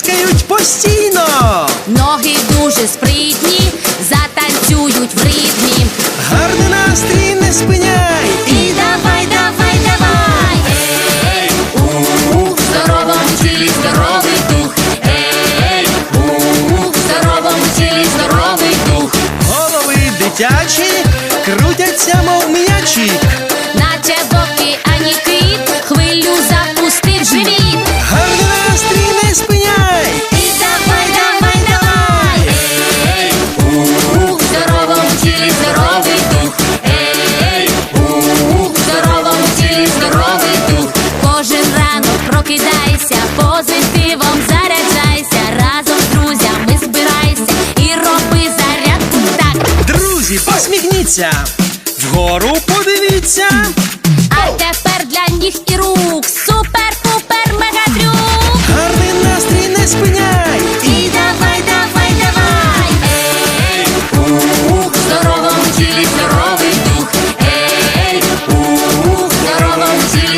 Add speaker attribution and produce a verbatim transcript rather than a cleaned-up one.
Speaker 1: плескають постійно.
Speaker 2: Ноги дуже спритні, затанцюють в ритмі.
Speaker 1: Гарний настрій не спиняй.
Speaker 2: І давай, давай, давай. Ей, у, в здоровому тілі здоровий дух. Ей, у, в здоровому тілі здоровий дух.
Speaker 1: Голови дитячі крутяться, мов м'ячі.
Speaker 2: Наче в океані хвилю запустив живіт.
Speaker 1: Гарний настрій не спиняй.
Speaker 2: І давай, давай, давай. Ей, у, в здоровому тілі здоровий дух. Ей, у, в здоровому тілі здоровий дух. Кожен ранок прокидайся, позитивом заряджайся. Разом з друзями збирайся і роби зарядку так.
Speaker 1: Друзі, посміхніться, вгору подивіться.
Speaker 2: А тепер для ніг і рук супер-пупер мегатрюк.
Speaker 1: Гарний настрій не спиняй.
Speaker 2: І давай, давай, давай. Ей, у, в здоровому тілі здоровий дух. Ей, у, в здоровому тілі